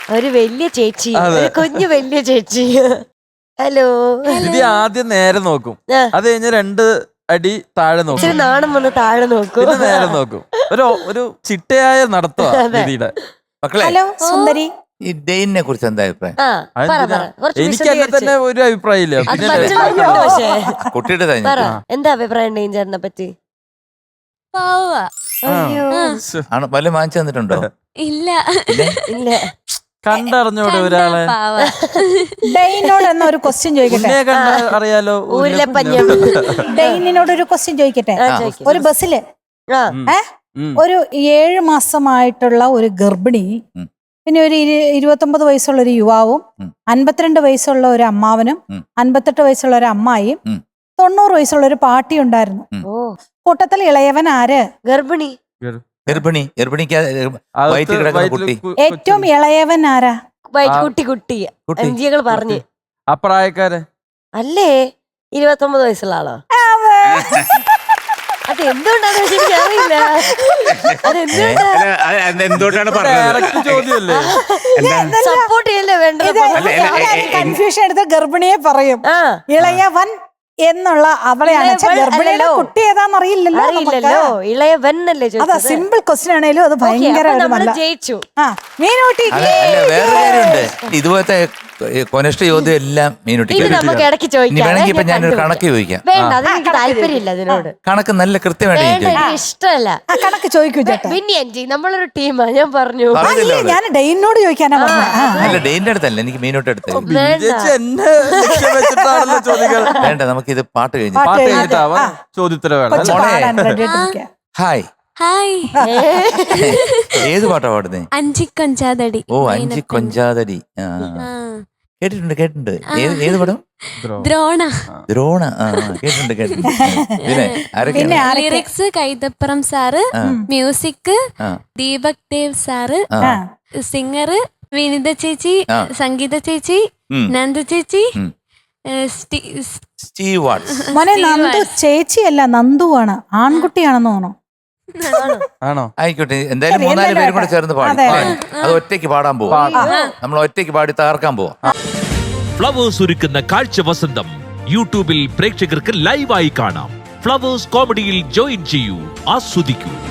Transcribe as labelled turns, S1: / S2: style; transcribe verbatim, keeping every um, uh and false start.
S1: ഒരു വലിയ ചേച്ചി, ഒരു കുഞ്ഞു വലിയ ചേച്ചി. ഹലോ.
S2: ഇത് ആദ്യം നേരെ നോക്കും, അത് കഴിഞ്ഞ് രണ്ട് അടി താഴെ നോക്കും,
S1: നാണം വന്ന് താഴെ നോക്കും,
S2: പിന്നെ നേരെ നോക്കും. ഒരു ഒരു ചിട്ടയായ നടത്തുക രീതിയുടെ.
S3: മക്കളെ,
S4: ഹലോ സുന്ദരി,
S3: ഈ ഡെയിനെ കുറിച്ച് എന്താ അഭിപ്രായം?
S2: എനിക്ക് എന്നെ തന്നെ ഒരു അഭിപ്രായം ഇല്ല.
S3: കുട്ടിയുടെ
S1: എന്താ അഭിപ്രായം ഡെയിൻ ചേട്ടനെ പറ്റി?
S3: വല്ല വാങ്ങിച്ചു തന്നിട്ടുണ്ടോ?
S5: ഇല്ല
S1: ഇല്ല.
S2: കണ്ടറിഞ്ഞൂടെ ഒരാളെ?
S4: ഡെയിനോട് എന്നാ ഒരു ക്വസ്റ്റ്യൻ ചോദിക്കട്ടെ?
S2: അറിയാലോ.
S4: ഡെയിനോട് ഒരു ക്വസ്റ്റ്യൻ ചോദിക്കട്ടെ? ഒരു ബസ്സില് ഒരു ഏഴ് മാസമായിട്ടുള്ള ഒരു ഗർഭിണി, പിന്നെ ഒരു ഇരുപത്തൊമ്പത് വയസ്സുള്ള ഒരു യുവാവും, അൻപത്തിരണ്ട് വയസ്സുള്ള ഒരു അമ്മാവനും, അൻപത്തെട്ട് വയസ്സുള്ള ഒരു അമ്മായിയും, തൊണ്ണൂറ് വയസ്സുള്ള ഒരു പാട്ടി ഉണ്ടായിരുന്നു. കൂട്ടത്തിൽ ഇളയവൻ ആര്?
S1: ഗർഭിണി.
S3: ഗർഭിണി ഗർഭിണിക്ക് കുട്ടി.
S4: ഏറ്റവും ഇളയവൻ ആരാ?
S1: കുട്ടി കുട്ടി അഞ്ചികൾ പറഞ്ഞു.
S2: അപ്രായക്കാര്
S1: അല്ലേ? ഇരുപത്തൊമ്പത് വയസ്സുള്ള ആളോ? അത് എന്തുകൊണ്ടാണ് എനിക്കറിയില്ല.
S6: അതെന്തുകൊണ്ടാണ്
S2: ചോദ്യമല്ലേ?
S1: സപ്പോർട്ട് ചെയ്യല്ലേ വേണ്ടത്?
S4: കൺഫ്യൂഷൻ എടുത്ത ഗർഭിണിയെ പറയും ഇളയവൻ എന്നുള്ള അവളെയാണ്. ഗർഭിണിയുടെ കുട്ടി ഏതാന്ന് അറിയില്ലല്ലോ.
S1: അറിയില്ലല്ലോ. ഇളയവന്നല്ലേ?
S4: അതാ സിമ്പിൾ ക്വസ്റ്റ്യൻ ആണേലും അത് ഭയങ്കര
S1: ജയിച്ചു.
S4: ആ മീനൂട്ടി.
S3: വേറെ കാര്യമുണ്ട്, ഇതുപോലത്തെ കൊനഷ്ട ചോദ്യം എല്ലാം മീനൂട്ടിക്ക്
S1: നമുക്ക് ഇടയ്ക്ക് ചോദിക്കാം.
S3: വേണമെങ്കിൽ ഇപ്പൊ ഞാനൊരു കണക്ക് ചോദിക്കാം.
S1: വേണ്ട, അതെനിക്ക് താല്പര്യമില്ല അതിനോട്.
S3: കണക്ക് നല്ല കൃത്യമായിട്ട്
S1: ഇഷ്ടമല്ല.
S4: കണക്ക് ചോദിക്കൂ ചേട്ടാ.
S1: പിന്നെ അഞ്ചി നമ്മളൊരു ടീമാ, ഞാൻ പറഞ്ഞു.
S4: ഞാൻ ഡെയിനോട് ചോദിക്കാനാ പറഞ്ഞത്.
S3: അല്ല, ഡെയിന്റെ അടുത്തല്ല, എനിക്ക് മീനോട്ട് അടുത്ത്. വേണ്ട, നമുക്കിത് പാട്ട് കഴിഞ്ഞു.
S2: പാട്ട് കഴിഞ്ഞിട്ടാവാ ചോദ്യത്തിന് വേണം.
S3: Hi
S5: hi.
S3: ഏത് പാട്ടാ പാടുന്നേ?
S5: അഞ്ചി കൊഞ്ചാതടി.
S3: ഓ, അഞ്ചി കൊഞ്ചാതടി. കേട്ടിട്ടുണ്ട് കേട്ടിട്ടുണ്ട്. ഏത് ഏത് പടം?
S5: ദ്രോണ.
S3: ദ്രോണ. ആ കേട്ടിട്ടുണ്ട് കേട്ടിട്ടുണ്ട്. പിന്നെ ആരൊക്കെയാണ്?
S5: Lyrics Kaithapuram sir, music Deepak Dev sir, singer Vineetha ചേച്ചി, സംഗീത ചേച്ചി, നന്ദു ചേച്ചി,
S3: സ്റ്റീവ് വാട്സ്.
S4: മോനെ നന്ദു ചേച്ചിയല്ല, നന്ദുവാണ്. ആൺകുട്ടിയാണെന്ന് തോന്നുന്നു.
S2: ആണോ?
S3: ആയിക്കോട്ടെ, എന്തായാലും മൂന്നാല് പേരും കൂടെ ചേർന്ന് പാടി. അത് ഒറ്റയ്ക്ക് പാടാൻ പോവാ. നമ്മൾ ഒറ്റയ്ക്ക് പാടി തകർക്കാൻ പോവാ.
S7: ഫ്ലവേഴ്സ് ഒരുക്കുന്ന കാഴ്ച വസന്തം യൂട്യൂബിൽ പ്രേക്ഷകർക്ക് ലൈവായി കാണാം. ഫ്ലവേഴ്സ് കോമഡിയിൽ ജോയിൻ ചെയ്യൂ, ആസ്വദിക്കൂ.